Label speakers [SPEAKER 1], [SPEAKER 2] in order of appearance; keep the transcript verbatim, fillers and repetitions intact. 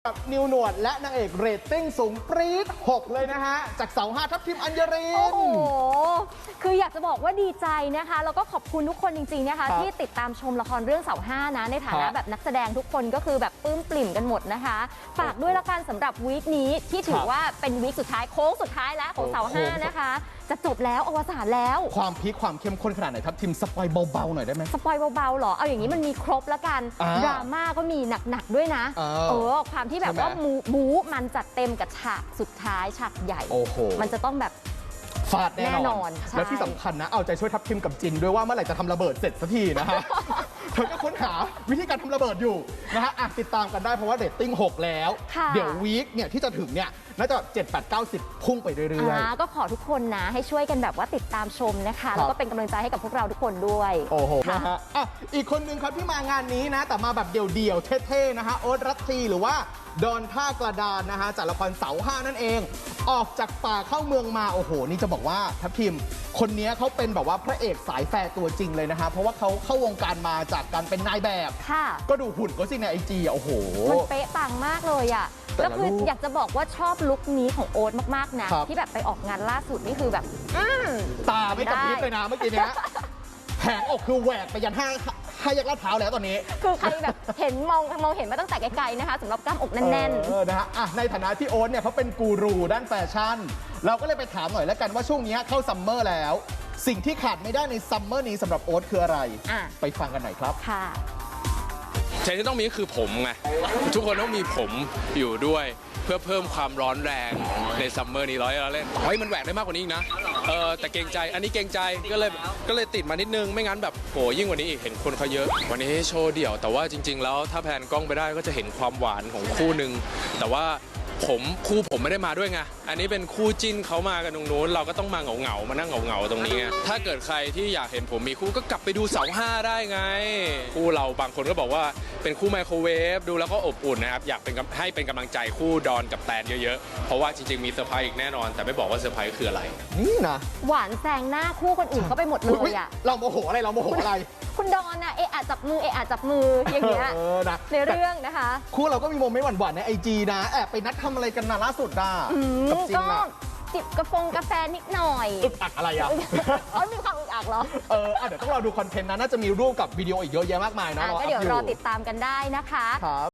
[SPEAKER 1] นิวหนวดและนางเอกเรตติ้งสูงปรี๊ดหกเลยนะฮะจากเสาห้าทัพทิมอัญญริน
[SPEAKER 2] โอ้โหคืออยากจะบอกว่าดีใจนะคะแล้วก็ขอบคุณทุกคนจริงๆนะคะที่ติดตามชมละครเรื่องเสาห้านะในฐานะแบบนักแสดงทุกคนก็คือแบบปลื้มปริ่มกันหมดนะคะฝากด้วยละกันสำหรับวีคนี้ที่ถือว่าเป็นวีคสุดท้ายโค้งสุดท้ายแล้วของเสาห้านะคะจะจบแล้วอวสานแล้ว
[SPEAKER 1] ความพีคความเข้มข้นขนาดไหนทัพทิมสปอยเบาๆหน่อยได้ไหม
[SPEAKER 2] สปอยเบาๆหรอเอาอย่างนี้มันมีครบแล้วกันดราม่าก็มีหนักๆด้วยนะเออความที่แบบว่าบู๊มันจัดเต็มกับฉากสุดท้ายฉากใหญ่มันจะต้องแบบ
[SPEAKER 1] ฟาดแน่นอนแล้วที่สำคัญนะเอาใจช่วยทัพทิมกับจินด้วยว่าเมื่อไหร่จะทำระเบิดเสร็จสักทีนะฮะเธอก็ค้นหาวิธีการทำระเบิดอยู่นะฮะติดตามกันได้เพราะว่าเรตติ้งหกแล้วเดี๋ยววีคเนี่ยที่จะถึงเนี่ยน่าจะเจ็ด แปด เก้า สิบพุ่งไปเรื่อย
[SPEAKER 2] ๆก็ขอทุกคนนะให้ช่วยกันแบบว่าติดตามชมนะคะแล้วก็เป็นกำลังใจให้กับพวกเราทุกคนด้วย
[SPEAKER 1] โอ้โหนะฮะอีกคนนึงครับที่มางานนี้นะแต่มาแบบเดี่ยวๆเท่ๆนะฮะโอ๊ตรัตทีหรือว่าดอนท่ากระดานนะฮะจากละครเสาห้านั่นเองออกจากป่าเข้าเมืองมาโอ้โหนี่จะบอกว่าทัพทิมคนนี้เขาเป็นแบบว่าพระเอกสายแฟร์ตัวจริงเลยนะฮะเพราะว่าเขาเข้าวงการมาจากการเป็นนายแบบก็ดูหุ่นก็สิในไอจีอ่ะโอ้โห
[SPEAKER 2] มันเป๊ะปังมากเลยอ่ะแล้วคืออยากจะบอกว่าชอบลุคนี้ของโอ๊ตมากๆนะที่แบบไปออกงานล่าสุดนี่คือแบบ
[SPEAKER 1] ตาไม่กระพริบเลยนะเมื่อกี้เนี้ยแผงอกคือแหวกไปยันห้างห้าแยกลาดพร้าวแล้วตอนนี้
[SPEAKER 2] คือใครแบบเห็นมองมองเห็นมาตั้งแต่ไกลๆนะคะสำหรับกล้ามอกแน่น
[SPEAKER 1] ๆนะฮะในฐานะที่โอ๊ตเนี่ยเขาเป็นกูรูด้านแฟชั่นเราก็เลยไปถามหน่อยแล้วกันว่าช่วงนี้เข้าซัมเมอร์แล้วสิ่งที่ขาดไม่ได้ในซัมเมอร์นี้สำหรับโอ๊ตคืออะไรไปฟังกันหน่อยครับ
[SPEAKER 2] ค่ะ
[SPEAKER 3] สิ่งที่ต้องมีคือผมไงทุกคนต้องมีผมอยู่ด้วยเพื่อเพิ่มความร้อนแรงในซัมเมอร์นี้ร้อยเราเล่นเฮ้ยมันแหวกได้มากกว่านี้อีกนะเออแต่เกรงใจอันนี้เกรงใจก็เลยก็เลยติดมานิดนึงไม่งั้นแบบโหยิ่งกว่านี้อีกเห็นคนเขาเยอะวันนี้โชว์เดี่ยวแต่ว่าจริงๆแล้วถ้าแพนกล้องไปได้ก็จะเห็นความหวานของคู่หนึ่งแต่ว่าผมคู่ผมไม่ได้มาด้วยไงอันนี้เป็นคู่จิ้นเขามากันตรงนู้นเราก็ต้องมาเหงาเหงามานั่งเหงาเหงาตรงนี้ถ้าเกิดใครที่อยากเห็นผมมีคู่ก็กลับไปดูเสาห้าได้ไงคู่เราบางคนก็บอกว่าเป็นคู่ไมโครเวฟดูแล้วก็อบอุ่นนะครับอยากเป็นให้เป็นกำลังใจคู่ดอนกับแตนเยอะๆเพราะว่าจริงๆมีเซอร์ไพรส์อีกแน่นอนแต่ไม่บอกว่าเซอร์ไพรส์คืออะไร
[SPEAKER 1] นี่นะ
[SPEAKER 2] หวานแซงหน้าคู่คนอื่นเขาไปหมดเลยอ่ะ
[SPEAKER 1] เราโมโหอะไรเราโมโหอะไร
[SPEAKER 2] คุณดอนอะเอะอะจับมือเอะอะจับมืออย่างเงี้ยในเรื่องนะคะ
[SPEAKER 1] คู่เราก็มีโมเมนต์หวานๆในไอจีนะแอบไปนัดทำอะไรกันนะล่าสุดอ่ะ
[SPEAKER 2] ก็จิบกาแฟกาแฟนิดหน่อย
[SPEAKER 1] อึกอักอะไรอ่ะ
[SPEAKER 2] อ๋อมีความอึกอักเหรอ
[SPEAKER 1] เออเดี๋ยวต้องรอดูคอนเทนต์นะน่าจะมีรูปกับวิดีโออีกเยอะแยะมากมายนะ
[SPEAKER 2] ก็เดี๋ยวรอติดตามกันได้นะคะ